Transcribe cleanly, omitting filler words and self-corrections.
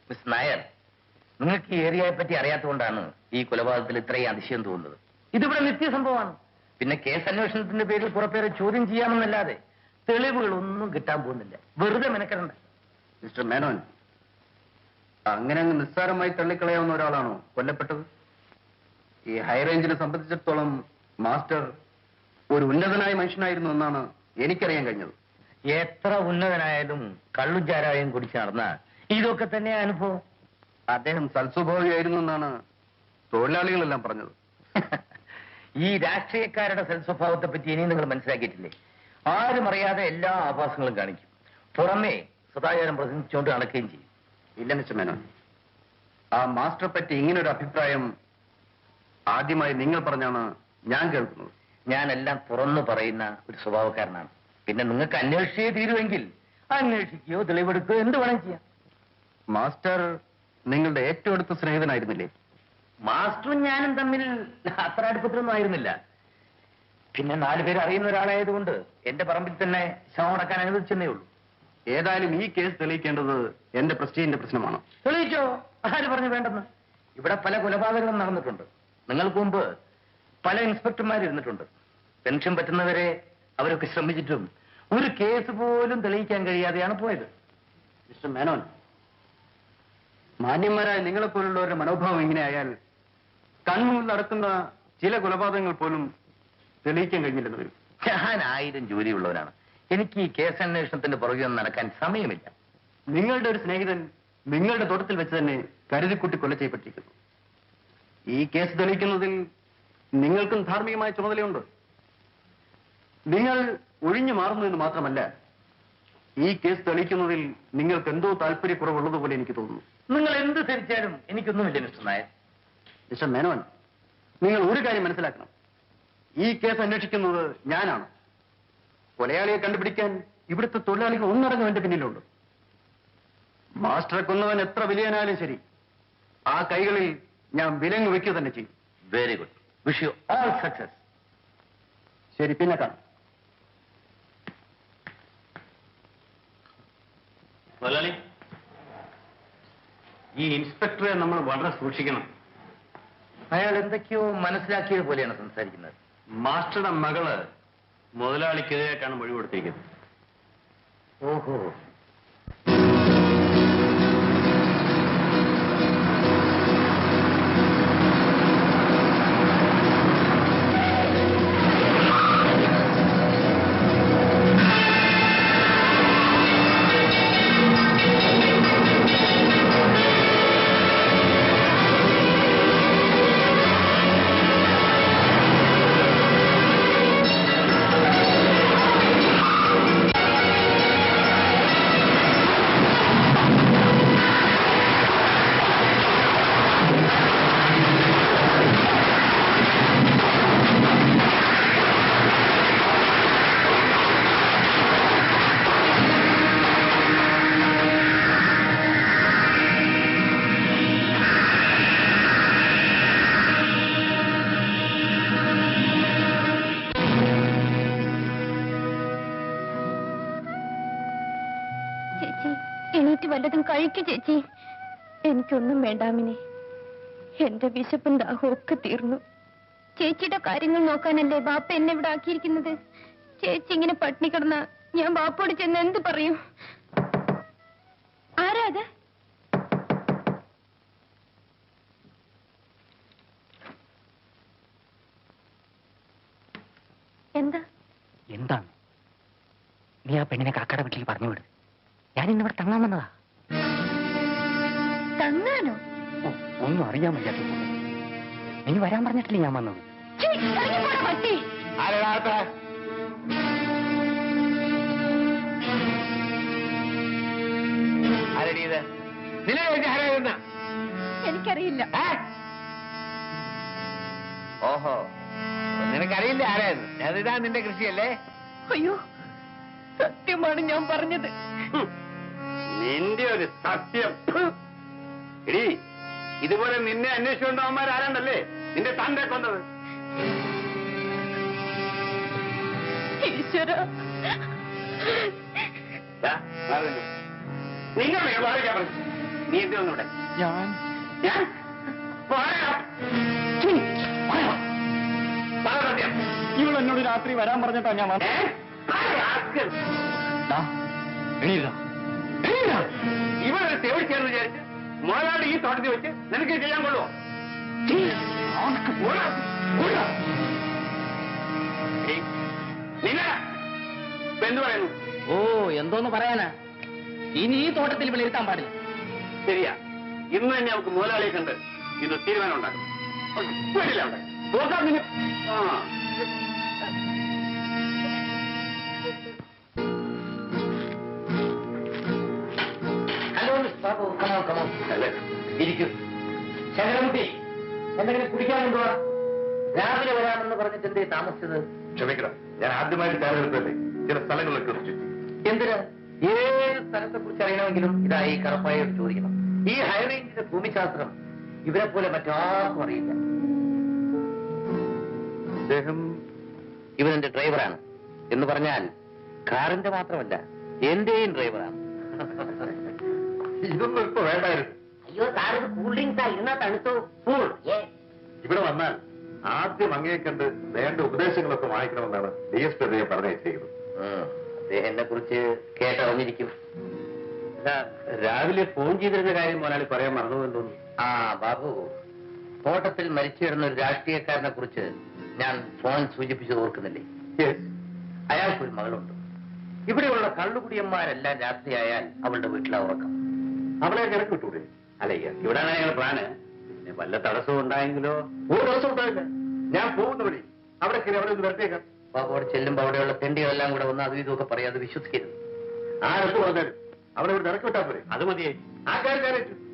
Miss Nair, നിങ്ങൾക്ക് ഈ ഏരിയയെ പറ്റി അറിയാത്തതുകൊണ്ടാണ് ഈ കൊലപാതകത്തിൽ ഇത്രയും അതിശയം തോന്നുന്നത്. ഇതിവിടെ നിത്യസംഭവമാണ്. പിന്നെ കേസ് അന്വേഷണത്തിന്റെ പേരിൽ പുറപ്പേരെ ചോദ്യം ചെയ്യാമെന്നല്ലാതെ തെളിവുകളൊന്നും കിട്ടാൻ പോകുന്നില്ല. വെറുതെ മെനക്കെടണ്ട. മിസ്റ്റർ മേനോൻ, അങ്ങനെ അങ്ങ് നിസ്സാരമായി തള്ളിക്കളയാവുന്ന ഒരാളാണോ കൊല്ലപ്പെട്ടത്? ഈ ഹൈറേഞ്ചിനെ സംബന്ധിച്ചിടത്തോളം മാസ്റ്റർ ഒരു ഉന്നതനായ മനുഷ്യനായിരുന്നു എന്നാണ് എനിക്കറിയാൻ കഴിഞ്ഞത്. എത്ര ഉന്നതനായാലും കള്ളുചാരായം കുടിച്ച് നടന്ന ഇതൊക്കെ തന്നെ അനുഭവം. അദ്ദേഹം സൽസ്വഭാവിയായിരുന്നു എന്നാണ് തൊഴിലാളികളെല്ലാം പറഞ്ഞത്. ഈ രാഷ്ട്രീയക്കാരുടെ സൽസ്വഭാവത്തെ പറ്റി ഇനിയും നിങ്ങൾ മനസ്സിലാക്കിയിട്ടില്ലേ? ആരും അറിയാതെ എല്ലാ ആഭാസങ്ങളും കാണിക്കും, പുറമേ സദാചാരം പ്രസംഗിച്ചുകൊണ്ട് നടക്കുകയും ചെയ്യും. ഇല്ല മിസ്റ്റർ മേനോൻ, ആ മാസ്റ്ററെ പറ്റി ഇങ്ങനൊരു അഭിപ്രായം ആദ്യമായി നിങ്ങൾ പറഞ്ഞാണ് ഞാൻ കേൾക്കുന്നത്. ഞാനെല്ലാം തുറന്നു പറയുന്ന ഒരു സ്വഭാവക്കാരനാണ്. പിന്നെ നിങ്ങൾക്ക് അന്വേഷിച്ചേ തീരുമെങ്കിൽ അന്വേഷിക്കുകയോ തെളിവെടുക്കുകയോ എന്ത് വേണം ചെയ്യാം. മാസ്റ്റർ നിങ്ങളുടെ ഏറ്റവും അടുത്ത സ്നേഹിതനായിരുന്നില്ലേ? മാസ്റ്ററും ഞാനും തമ്മിൽ അത്ര അടുപ്പത്തിലൊന്നും ആയിരുന്നില്ല. പിന്നെ 4 പേര് അറിയുന്ന ഒരാളായതുകൊണ്ട് എന്റെ പറമ്പിൽ തന്നെ ശവം അടക്കാൻ അനുവദിച്ചെന്നേ ഉള്ളൂ. ഏതായാലും ഈ കേസ് തെളിയിക്കേണ്ടത് എന്റെ പ്രസ്റ്റീജിന്റെ പ്രശ്നമാണ്. തെളിയിച്ചോ? ആര് പറഞ്ഞു വേണ്ടെന്ന്? ഇവിടെ പല കൊലപാതകങ്ങളും നടന്നിട്ടുണ്ട്. നിങ്ങൾക്ക് മുമ്പ് പല ഇൻസ്പെക്ടർമാർ ഇരുന്നിട്ടുണ്ട്. പെൻഷൻ പറ്റുന്നവരെ അവരൊക്കെ ശ്രമിച്ചിട്ടും ഒരു കേസ് പോലും തെളിയിക്കാൻ കഴിയാതെയാണ് പോയത്. മിസ്റ്റർ മേനോൻ, മാന്യന്മാരായ നിങ്ങളെപ്പോലുള്ളവരുടെ മനോഭാവം ഇങ്ങനെയായാൽ കൺമുന്നിൽ നടക്കുന്ന ചില കൊലപാതകങ്ങൾ പോലും തെളിയിക്കാൻ കഴിഞ്ഞില്ലെന്ന് വരും. ഞാൻ 1000 ജോലിയുള്ളവരാണ്. എനിക്ക് ഈ കേസ് അന്വേഷണത്തിന്റെ പുറകെ ഒന്നും നടക്കാൻ സമയമില്ല. നിങ്ങളുടെ ഒരു സ്നേഹിതൻ നിങ്ങളുടെ തോട്ടത്തിൽ വെച്ച് തന്നെ കരുതിക്കുട്ടി കൊല ചെയ്യപ്പെട്ടിരിക്കുന്നു. ഈ കേസ് തെളിയിക്കുന്നതിൽ നിങ്ങൾക്കും ധാർമ്മികമായ ചുമതലയുണ്ട്. നിങ്ങൾ ഒഴിഞ്ഞു മാറുന്നതെന്ന് മാത്രമല്ല, ഈ കേസ് തെളിയിക്കുന്നതിൽ നിങ്ങൾക്ക് എന്തോ താല്പര്യക്കുറവുള്ളതുപോലെ എനിക്ക് തോന്നുന്നു. നിങ്ങൾ എന്ത് ധരിച്ചാലും എനിക്കൊന്നുമില്ല മിസ്റ്റർ നായർ. മിസ്റ്റർ മേനോൻ, നിങ്ങൾ ഒരു കാര്യം മനസ്സിലാക്കണം. ഈ കേസ് അന്വേഷിക്കുന്നത് ഞാനാണ്. കൊലയാളിയെ കണ്ടുപിടിക്കാൻ ഇവിടുത്തെ തൊഴിലാളികൾ ഒന്നടങ്കം എന്റെ പിന്നിലുണ്ട്. മാസ്റ്ററെ കൊന്നവൻ എത്ര വലിയനാലും ശരി, ആ കൈകളിൽ ഞാൻ വിലങ്ങ് വയ്ക്കുക തന്നെ ചെയ്യും. Very good. Wish you all success. ശരി, പിന്നെ കാണാം. മുതലാളി, ഈ ഇൻസ്പെക്ടറെ നമ്മൾ വളരെ സൂക്ഷിക്കണം. അയാൾ എന്തൊക്കെയോ മനസ്സിലാക്കിയത് പോലെയാണ് സംസാരിക്കുന്നത്. മാസ്റ്ററുടെ മകള് മുതലാളിക്കെതിരായിട്ടാണ് മൊഴി കൊടുത്തിരിക്കുന്നത്. ഓഹോ. വല്ലതും കഴിക്കു ചേച്ചി. എനിക്കൊന്നും വേണ്ടാമിനെ. എന്റെ വിശപ്പും ദാഹവും ഒക്കെ തീർന്നു. ചേച്ചിയുടെ കാര്യങ്ങൾ നോക്കാനല്ലേ ബാപ്പ എന്നെ ഇവിടെ ആക്കിയിരിക്കുന്നത്. ചേച്ചി ഇങ്ങനെ പട്ടിണി കിടന്ന ഞാൻ ബാപ്പോട് ചെന്ന് എന്ത് പറയും? ആരാ അത്? എന്താ എന്താണ്? നീ ആ പെണ്ണിനെ കാക്കയുടെ വീട്ടിലേക്ക് പറഞ്ഞു വിട്. ഞാൻ ഇന്നിവിടെ തങ്ങാൻ വന്നതാ. തങ്ങാനോ? ഒന്നും അറിയാൻ വയ്യാത്ത. നീ വരാൻ പറഞ്ഞിട്ടില്ലേ ഞാൻ വന്നത്? പട്ടി എനിക്കറിയില്ല. ഓഹോ, നിനക്കറിയില്ല ആരായിരുന്നു? അതിതാ നിന്റെ കൃഷിയല്ലേ? അയ്യോ, സത്യമാണ് ഞാൻ പറഞ്ഞത്. നിന്റെ ഒരു സത്യം. എടീ, ഇതുപോലെ നിന്നെ അന്വേഷിച്ചുകൊണ്ടവന്മാർ ആരാണ്ടല്ലേ നിന്റെ തന്റെ കൊന്നത്? ഈശ്വര, നിങ്ങൾ പറഞ്ഞു നീ എന്തിനൊന്നും ഇവിടെ ഞാൻ ഞാൻ ഇവൾ എന്നോട് രാത്രി വരാൻ പറഞ്ഞിട്ടാ ഞാൻ ഇവരൊരു സേവിച്ചെന്ന് വിചാരിച്ച് മുതലാളി ഈ തോട്ടത്തിൽ വെച്ച് നിനക്ക് ചെയ്യാൻ കൊള്ളുമോ? നിങ്ങൾ എന്ത് പറയുന്നു? ഓ എന്തോന്ന് പറയാനാ, ഇനി ഈ തോട്ടത്തിൽ വിളിയിരുത്താൻ പാടില്ല. ശരിയാ, ഇന്ന് തന്നെ നമുക്ക് മുതലാളിയെ കണ്ട് ഇത് തീരുമാനം ഉണ്ടാക്കും. വീട്ടില്ല അവിടെ നോക്കാം പിന്നെ. ആ hello miss Babu, come on come on. ഇരിക്കും. ശങ്കരൻകുട്ടി, എന്തെങ്കിലും കുടിക്കാനുണ്ടോ? രാവിലെ വരാമെന്ന് പറഞ്ഞിട്ട് എന്തേ താമസിച്ചത്? ക്ഷമിക്കണം, ഞാൻ ആദ്യമായിട്ട് തെരഞ്ഞെടുത്തല്ലേ, ചില സ്ഥലങ്ങളിലൊക്കെ ചുറ്റി. എന്തിന്? ഏത് സ്ഥലത്തെ കുറിച്ച് അറിയണമെങ്കിലും ഇതായി കറപ്പായോട് ചോദിക്കണം. ഈ ഹൈറേഞ്ചിന്റെ ഭൂമിശാസ്ത്രം ഇവരെ പോലെ മറ്റാർക്കും അറിയില്ല. അദ്ദേഹം ഇവനെന്റെ ഡ്രൈവറാണ്. എന്ന് പറഞ്ഞാൽ കാറിന്റെ മാത്രമല്ല, എന്റെയും ഡ്രൈവറാണ്. ഇതൊന്നും ഇപ്പൊ വേണ്ടായിരുന്നു. അയ്യോ സാർ, ഇത് കൂൾ ഡ്രിങ്ക്സാ, ഇരുന്നാ തണുത്തു. ഇവിടെ വന്നാൽ ആദ്യം അങ്ങയെ കണ്ട് വേണ്ട ഉപദേശങ്ങളൊക്കെ വാങ്ങിക്കണമെന്നാണ് DSP അദ്ദേഹം പറഞ്ഞിരിക്കുന്നത്. അദ്ദേഹം എന്നെ കുറിച്ച് കേട്ടറിഞ്ഞിരിക്കും. രാവിലെ ഫോൺ ചെയ്തിരുന്ന കാര്യം മുതലാളി പറയാൻ മറന്നുവെന്ന് തോന്നുന്നു. ആ ബാബു, തോട്ടത്തിൽ മരിച്ചു കിടന്ന ഒരു രാഷ്ട്രീയക്കാരനെ കുറിച്ച് ഞാൻ ഫോൺ സൂചിപ്പിച്ചത് ഓർക്കുന്നില്ലേ? അയാൾക്കൊരു മകളുണ്ട്. ഇവിടെയുള്ള കള്ളുകുടിയന്മാരെല്ലാം രാത്രിയായാൽ അവളുടെ വീട്ടിലാ ഉറക്കം. അവളെ കിടക്ക് വിട്ടൂടെ? അല്ല, ഇവിടെ ഞങ്ങൾ പ്ലാന്. പിന്നെ വല്ല തടസ്സവും ഉണ്ടായെങ്കിലോ? ഒരു തടസ്സം ഉണ്ടായില്ല. ഞാൻ പോകുന്ന വഴി അവിടെ കയറി അവിടെ ഒന്ന് വരട്ടേക്കാം. ബാബു അവിടെ ചെല്ലുമ്പോ അവിടെയുള്ള തെണ്ടികളെല്ലാം കൂടെ വന്ന് അതും ഇതൊക്കെ പറയാതെ വിശ്വസിക്കരുത്. ആരെടുത്ത് പറഞ്ഞാലും അവിടെ ഇവിടെ ഇറക്കി വിട്ടാൽ പോരെ? അത് മതിയായി. ആ കാര്യം ഞാൻ ഏറ്റു.